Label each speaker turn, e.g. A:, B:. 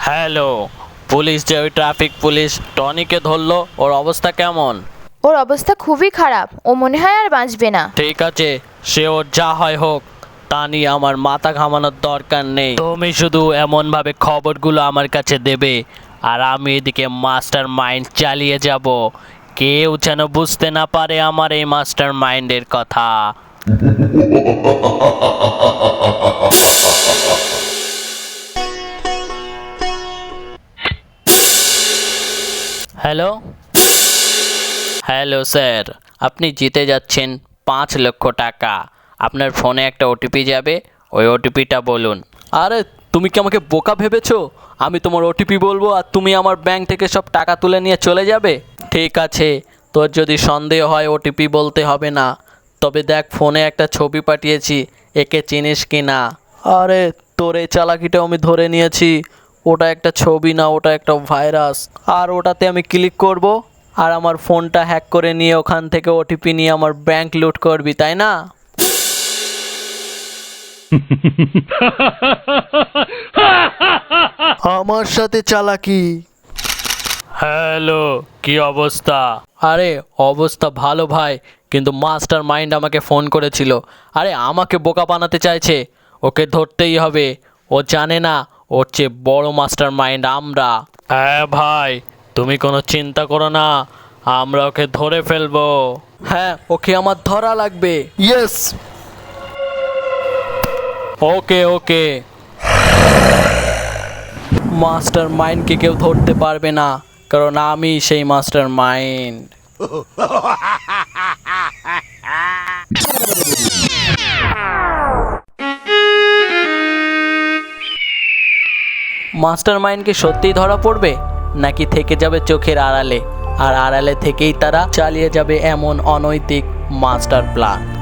A: Hello, police যে ওই traffic police টনিকে ধরলো, ওর অবস্থা কেমন?
B: ওর অবস্থা খুবই খারাপ, ও মনে হয় আর বাঁচবে না।
A: ঠিক আছে, সে ওর যা হয় হোক, তা নিয়ে আমার মাথা ঘামানোর দরকার নেই। তুমি শুধু এমনভাবে খবরগুলো আমার কাছে দেবে, আর আমি এদিকে মাস্টার মাইন্ড চালিয়ে যাব। কেউ যেন বুঝতে না পারে আমার এই মাস্টার মাইন্ডের কথা। হ্যালো হ্যালো স্যার, আপনি জিতে যাচ্ছেন 5 লক্ষ টাকা। আপনার ফোনে একটা ওটিপি যাবে, ওই ওটিপিটা বলুন। আরে তুমি কি আমাকে বোকা ভেবেছো? আমি তোমার ওটিপি বলবো আর তুমি আমার ব্যাংক থেকে সব টাকা তুলে নিয়ে চলে যাবে? ঠিক আছে, তোর যদি সন্দেহ হয় ওটিপি বলতে হবে না। তবে দেখ, ফোনে একটা ছবি পাঠিয়েছি, একে চিনিস কি না? আরে তোর এই চালাকিটাও আমি ধরে নিয়েছি। ওটা একটা ছবি না, ওটা একটা ভাইরাস। আর ওটাতে আমি ক্লিক করব, আর আমার ফোনটা হ্যাক করে নিয়ে ওখান থেকে ওটিপি নিয়ে আমার ব্যাংক লুট করবি, তাই না? আমার সাথে চালাকি। হ্যালো, কি অবস্থা? আরে অবস্থা ভালো ভাই, কিন্তু মাস্টার মাইন্ড আমাকে ফোন করেছিল। আরে আমাকে বোকা বানাতে চাইছে, ওকে ধরতেই হবে। ও জানে না ওর চেয়ে বড় মাস্টার মাইন্ড আমরা। হ্যাঁ ভাই, তুমি কোনো চিন্তা করো না, আমরা ওকে ধরে ফেলবো। হ্যাঁ, ওকে আমার ধরা লাগবে। ইয়েস, ওকে ওকে। মাস্টার মাইন্ডকে কেউ ধরতে পারবে না, কারণ আমি সেই মাস্টার মাইন্ড। মাস্টার মাইন্ড কি সত্যিই ধরা পড়বে, নাকি থেকে যাবে চোখের আড়ালে, আর আড়ালে থেকেই তারা চালিয়ে যাবে এমন অনৈতিক মাস্টার প্ল্যান?